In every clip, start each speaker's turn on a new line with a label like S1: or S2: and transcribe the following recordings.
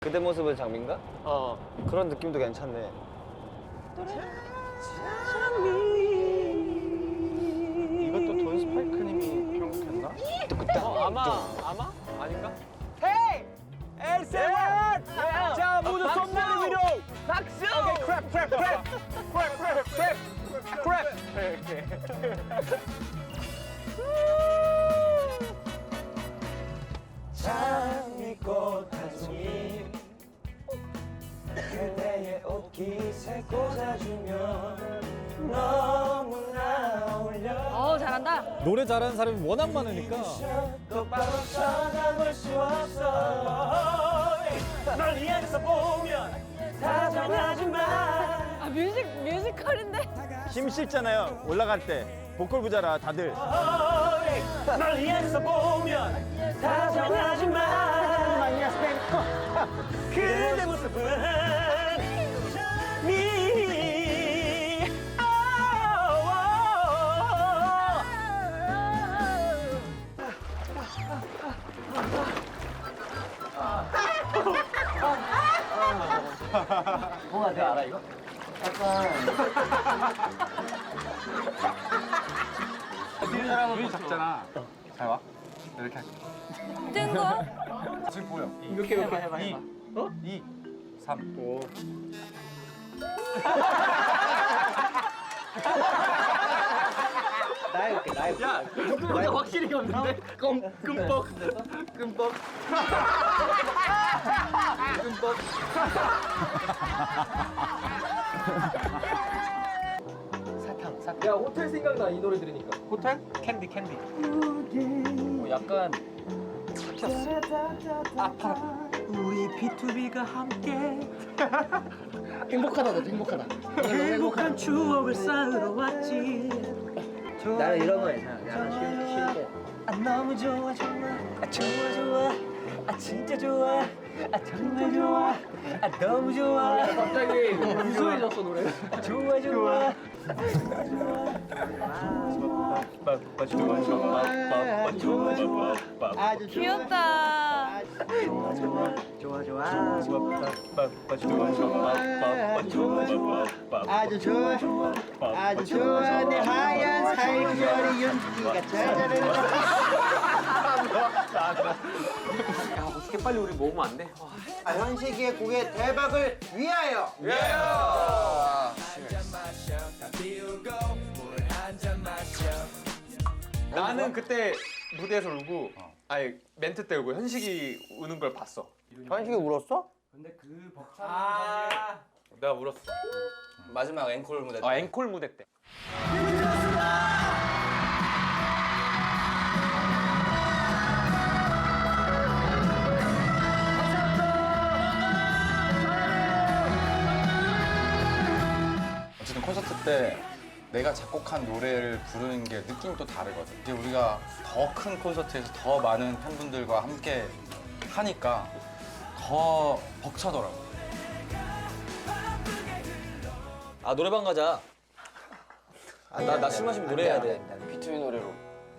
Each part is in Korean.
S1: 그대 모습은 장미인가? 그런 느낌도 괜찮네.
S2: 이것도 돈 스파이크님이 편곡했나?
S1: 아마? 아닌가? 헤이! 엘세원! 자, 모두 손머리 위로! 박수! 오케이, 크랩! 장미꽃 한 송이 그대의 옷깃에 꽂아주면 너무나 어울려.
S3: 잘한다.
S4: 노래 잘하는 사람이 워낙 많으니까.
S1: 똑바로 쳐다볼 수 없어. 널 향해서 보면 다정하지만
S3: 아, 뮤지컬인데?
S2: 힘 실잖아요. 올라갈 때 보컬 부자라 다들.
S1: 널 향해서 보면 다정하지만 그대 모습은 뭔가 내가 알아 이거?
S2: 눈이 작잖아. 잘 와. 이렇게 할게.
S3: 뜬 거?
S2: 지금 보여.
S1: 이렇게 해봐.
S2: 2, 3, 5.
S1: 나 해볼게. 야, 이거 확실히 없는데? 끔뻑. 사탕. 야, 호텔 생각나, 이 노래 들으니까.
S2: 호텔? 캔디.
S1: 약간 아파라. 우리 B2B가 함께 행복하다. 행복한 추억을 쌓으러 왔지. 나는 이런 거 괜찮아. 약간 쉴 때. 아 너무 좋아. 아 좋아. 아 진짜 좋아. 아 정말 좋아. 아 너무 좋아. 갑자기 무서워졌어 노래. 좋아.
S2: 아주
S3: 귀엽다.
S2: 아주 좋아 내 하얀 살결이 윤기가 짜자는
S1: 어떻게 빨리 우리 먹으면 안 돼?
S2: 현식이의 곡의 대박을 위하여
S5: 나는 그때 무대에서 울고 아니 멘트 때 울고 현식이 우는 걸 봤어.
S2: 현식이 울었어?
S5: 내가 울었어.
S1: 마지막 앵콜 무대.
S5: 앵콜 무대 때.
S6: 어쨌든 콘서트 때 내가 작곡한 노래를 부르는 게 느낌이 또 다르거든. 이제 우리가 더 큰 콘서트에서 더 많은 팬분들과 함께 하니까 더 벅차더라고.
S1: 아 노래방 가자. 나 술 마시면 노래해야 돼.
S6: B2B 노래로.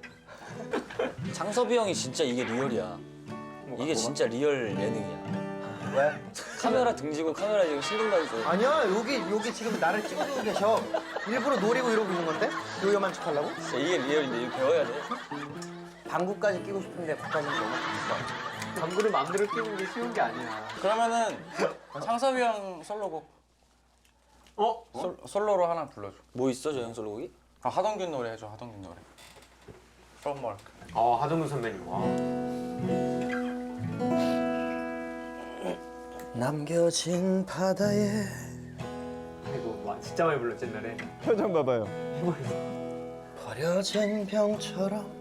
S1: 장섭이 형이 진짜 이게 리얼이야. 이게 진짜 리얼 예능이야.
S2: 왜?
S1: 카메라 등지고 카메라 지금 신경다니고.
S2: 아니야 여기 지금 나를 찍고 계셔 일부러 노리고 이러고 있는 건데? 요염한 척 하려고?
S1: 진짜 이게 리얼인데 이거 배워야 돼.
S2: 방구까지 끼고 싶은데 거기까지 너무 비싸
S1: 방구를 마음대로 끼는 게 쉬운 게 아니야.
S6: 그러면은 상섭이 형 솔로곡. 솔로로 하나 불러줘.
S1: 뭐 있어 저 형 솔로곡이?
S6: 아, 하동균 노래 해줘. 하동균 노래. From
S5: 하동근 선배님.
S2: 남겨진 바다에
S5: 아이고 진짜 많이 불렀지 옛날에.
S2: 표정 봐봐요
S7: 버려진 병처럼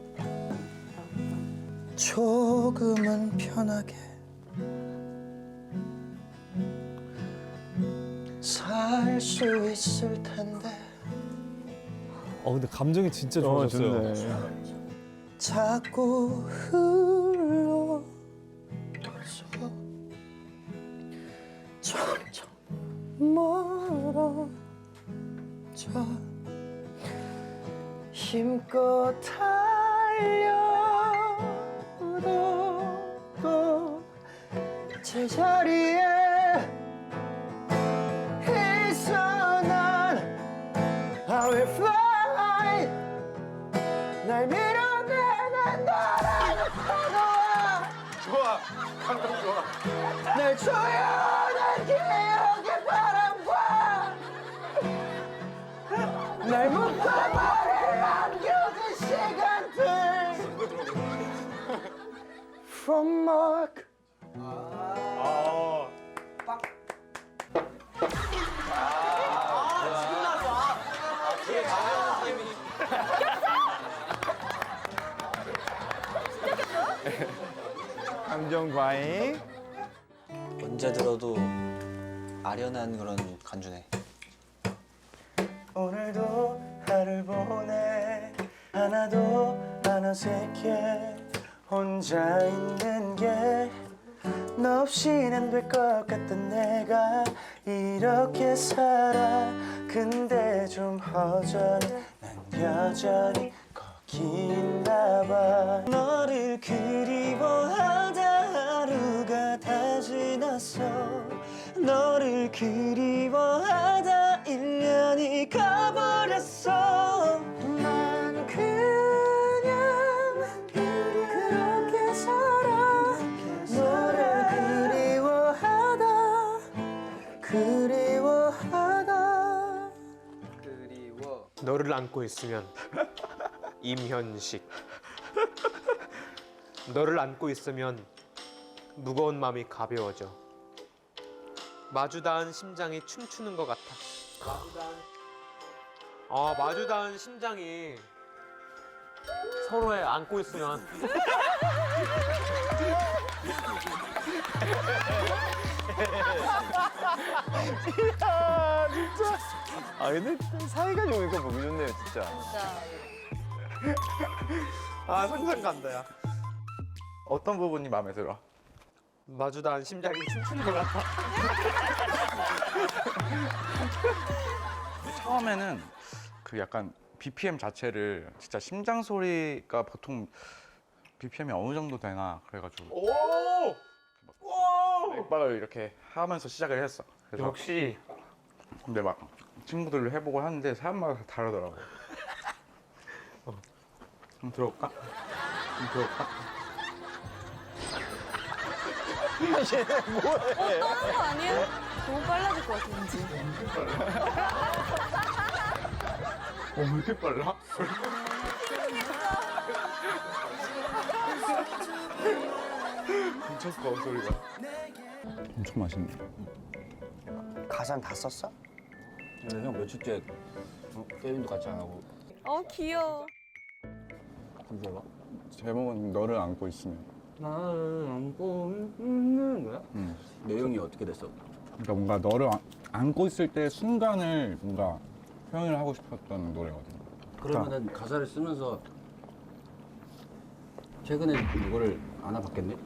S7: 조금은 편하게 살 수 있을 텐데
S4: 근데 감정이 진짜 좋아졌어요.
S7: 자꾸 흘러서 점점 멀어져 힘껏 달려도 또 제자리에 있어 난 I will fly 날 밀어내는 너라는 파도와
S5: 좋아. 감동 좋아.
S7: 날 조여낸 기억의 바람과 날 묶어버릴 안겨진 시간들 From Mark
S2: 감정 과잉.
S1: 언제 들어도 아련한 그런 간주네.
S7: 오늘도 하루 보내 하나도 안 어색해 혼자 있는 게 너 없이는 안 될 것 같던 내가 이렇게 살아 근데 좀 허전해 난 여전히 거기 있나 봐 너를 그리워하다 하루가 다 지났어 너를 그리워하다 1년이 가버렸어 난 그냥 그렇게 살아 너를 그리워하다
S8: 너를 안고 있으면 임현식 너를 안고 있으면 무거운 마음이 가벼워져 마주 닿은 심장이 춤추는 것 같아 마주 닿은 심장이 서로에 안고 있으면
S2: 아 근데 사이가 좋으니까 보기 좋네요 진짜.
S8: 아 상상 간다 야
S6: 어떤 부분이 마음에 들어?
S8: 마주 닿은 심장이 춤추는 것 같아
S6: 처음에는 그 약간 BPM 자체를 진짜 심장 소리가 보통 BPM이 어느 정도 되나 그래가지고 맥박을 이렇게 하면서 시작을 했어. 그래서
S8: 역시
S6: 근데 막 친구들로 해보고 하는데 사람마다 다 다르더라고. 한번 들어볼까? 한번 들어볼까?
S3: 떠는 거 아니에요? 너무 빨라질 것 같아 왠지.
S6: 왜 이렇게 빨라? 미쳤어 소리가. 엄청 맛있네.
S7: 가사는 다 썼어?
S1: 형 며칠째 게임도 같이 안 하고
S3: 귀여워.
S6: 잠시만. 제목은 너를 안고 있으면.
S1: 나를 안고 있는 거야? 내용이 어떻게 됐어?
S6: 그러니까 뭔가 너를 안고 있을 때 순간을 뭔가 표현을 하고 싶었던 노래거든.
S1: 그러면은 가사를 쓰면서 최근에 이거를 안아봤겠네?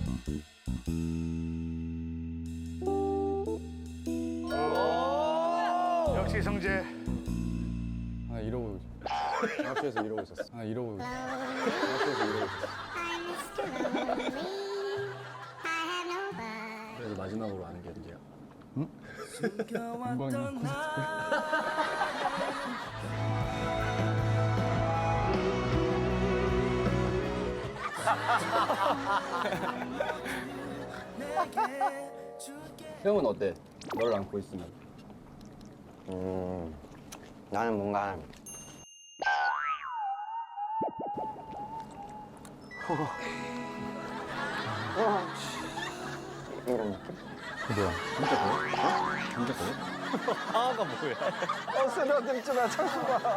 S2: 역시 성재.
S6: 아 이러고 학교에서 이러고 있었어. 아 이러고 학교에서 이러고 있었어.
S1: 그래서 마지막으로 아는 게 언제야?
S6: 이번 콘서트
S1: 형은 어때? 너를 안고 있으면
S7: 나는 뭔가 이런 느낌?
S6: 뭐야? 진짜 그래? 진짜 그래?
S2: 하가 뭐야? 쓰러들지 마 창수가.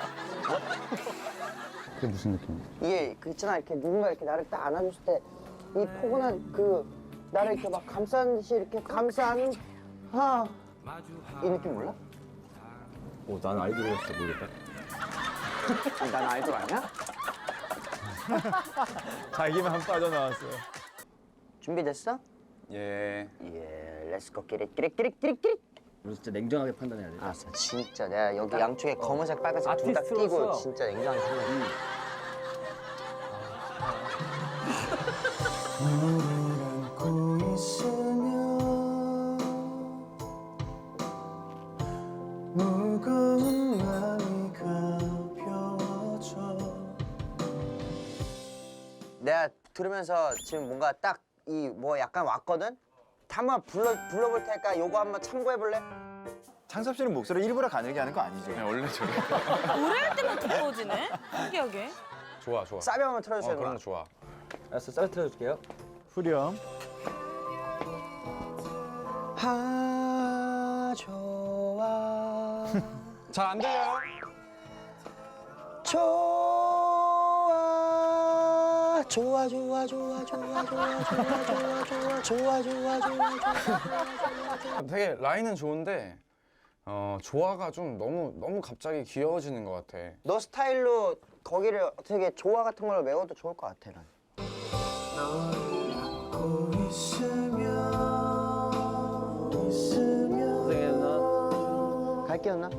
S6: 그게 무슨 느낌이야?
S7: 이게 그 있잖아 이렇게 누군가 이렇게 나를 딱 안아줬을 때 이 포근한 그 나를 이렇게 막 감싸는 듯이 이렇게 감싸는 이 느낌 몰라?
S1: 난 아이돌이었어 모르겠다.
S7: 난 아이돌 아니야?
S2: 자기만 빠져나왔어요.
S7: 준비됐어?
S6: 예.
S7: 예, 렛츠고 끼릿.
S1: 우리 진짜 냉정하게 판단해야 돼.
S7: 알았어, 진짜 내가 여기 양쪽에 검은색, 빨간색 둘 다 끼고 진짜 냉정하게 생각해. 너를 안고 있어 들으면서 지금 뭔가 딱 이 뭐 약간 왔거든? 한번 불러볼 테니까 요거 한번 참고해볼래?
S2: 창섭 씨는 목소리 일부러 가늘게 하는 거 아니죠?
S6: 원래 저래.
S3: 노래할 때만 두꺼워지네? 신기하게.
S6: 좋아 좋아.
S7: 사비 한번 틀어주세요.
S6: 그런
S7: 누나.
S6: 거 좋아.
S1: 알았어, 쌀 틀어줄게요.
S4: 후렴.
S7: 좋아
S6: 잘 안 들려요?
S7: 좋아 좋아 좋아 좋아 좋아 좋아 좋아 좋아 좋아 좋아 좋아
S6: 되게 라인은 좋은데 조화가 좀 너무 갑자기 귀여워지는 것 같아.
S7: 너 스타일로 거기를 되게 조화 같은 걸로 메워도 좋을 것 같아 난.
S1: 고생해 누나.
S7: 갈게요 누나.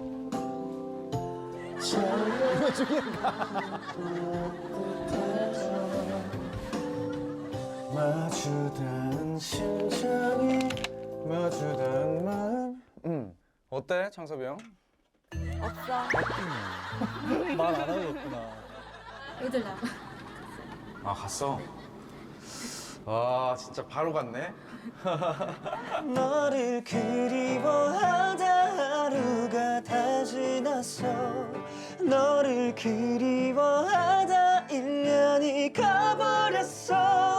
S6: 마주단 심장이 마주단 마음. 어때 창섭이 형?
S3: 없어.
S4: 말 안 하겠구나.
S9: 애들 나가.
S6: 아 갔어. 아 진짜 바로 갔네.
S1: 너를 그리워하다 하루가 다 지났어. 너를 그리워하다 1년이 가버렸어.